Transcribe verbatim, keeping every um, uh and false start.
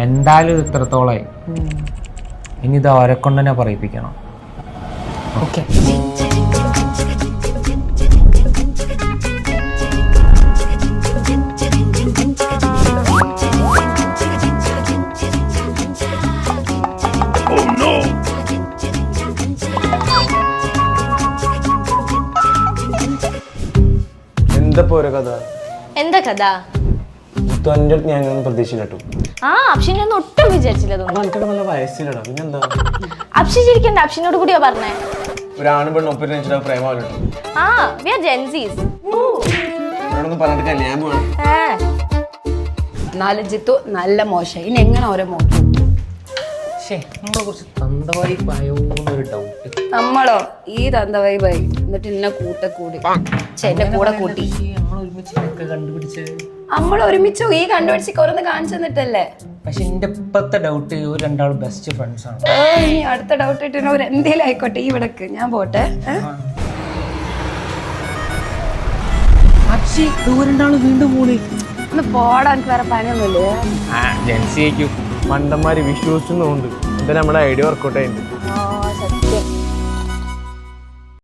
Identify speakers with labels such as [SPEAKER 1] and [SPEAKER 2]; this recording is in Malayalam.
[SPEAKER 1] എന്തായാലും ഇത്രത്തോളായി. ഇനി ഇത് അവരെ കൊണ്ട് തന്നെ പറയിപ്പിക്കണം.
[SPEAKER 2] ഓക്കെ.
[SPEAKER 3] എന്താ കഥ?
[SPEAKER 4] എന്താ കഥ?
[SPEAKER 3] ഞാൻ പ്രതീക്ഷിച്ചു.
[SPEAKER 4] ആ അപ്ഷിനെ ഒന്നും ഒട്ടും വിചാരിച്ചില്ല.
[SPEAKER 3] വയസ്സിലടാ പിന്നെന്താ?
[SPEAKER 4] അപ്ഷി ചിരിക്കണ്ട, അപ്ഷിനോട് കൂടിയാ പറഞ്ഞേ.
[SPEAKER 3] ഒരാണ് പെണ്ണ് ഒപ്പിട്ട് പ്രേമല്ലോ.
[SPEAKER 4] ആ വി ആർ ജെൻസീസ്.
[SPEAKER 3] പറഞ്ഞിട്ട് കല്യാണം പോവാണ്.
[SPEAKER 2] നാല് ജിത്തു നല്ല മോശം. ഇനി എങ്ങനെ ഓരോ മോശം?
[SPEAKER 1] നമ്മളെ കുറിച്ച് തന്തവായി പായോന്നൊരു ഡൗട്ട്.
[SPEAKER 2] നമ്മളോ ഈ തന്തവായി പോയി എന്നിട്ട് എന്നെ കൂട്ട കൂടി എന്നെ കൂടെ കൂട്ടി നമ്മൾ ഒരുമിച്ച് ഈ കണ്ടുപിടിച്ച് ഓരോന്ന് കാണിച്ചു തന്നിട്ടല്ലേ.
[SPEAKER 1] പക്ഷെ എന്റെ ഇപ്പത്തെ ഡൗട്ട് ഒരു രണ്ടാളും ബെസ്റ്റ് ഫ്രണ്ട്സ് ആണ്.
[SPEAKER 2] ഇനി അടുത്ത ഡൗട്ട് ഇട്ട് ഒരു എന്തേലും ആയിക്കോട്ടെ. ഈ വിടക്ക് ഞാൻ പോട്ടെ.
[SPEAKER 1] വീണ്ടും കൂടി
[SPEAKER 2] ഒന്ന് പോടാൻ വേറെ പണിയൊന്നുമില്ലേ?
[SPEAKER 3] മണ്ടന്മാര് വിശ്വസിച്ചുന്നുണ്ട്. എന്താ നമ്മുടെ ഐഡിയ വർക്കൗട്ട് ആയിട്ട്.